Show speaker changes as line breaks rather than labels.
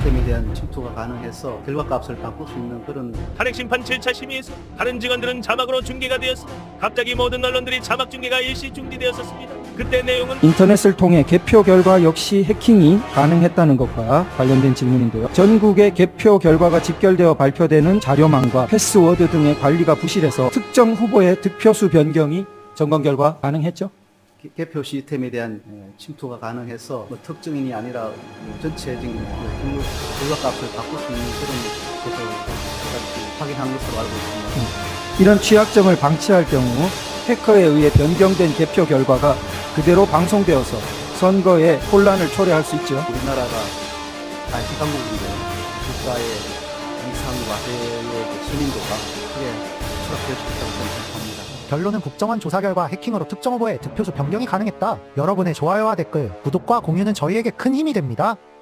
시스템에 대한 침투가 가능해서 결과값을 바꿀 수 있는 그런
탄핵 심판 7차 심의에서 다른 직원들은 자막으로 중계가 되었습니다. 갑자기 모든 언론들이 자막 중계가 일시 중지되었었습니다. 그때 내용은
인터넷을 통해 개표 결과 역시 해킹이 가능했다는 것과 관련된 질문인데요. 전국의 개표 결과가 집결되어 발표되는 자료망과 패스워드 등의 관리가 부실해서 특정 후보의 득표수 변경이 점검 결과 가능했죠.
개표 시스템에 대한 침투가 가능해서 뭐 특정인이 아니라 전체적인 결과값을 바꿀 수 있는 그런 것을 확인한 것으로 알고 있습니다.
이런 취약점을 방치할 경우 해커에 의해 변경된 개표 결과가 그대로 방송되어서 선거에 혼란을 초래할 수 있죠.
우리나라가 단식강국인데 국가의 이상과 해외의 신인도가 크게 추락될 수 있다고 생각합니다.
결론은 국정원 조사 결과 해킹으로 특정 후보의 득표수 변경이 가능했다. 여러분의 좋아요와 댓글, 구독과 공유는 저희에게 큰 힘이 됩니다.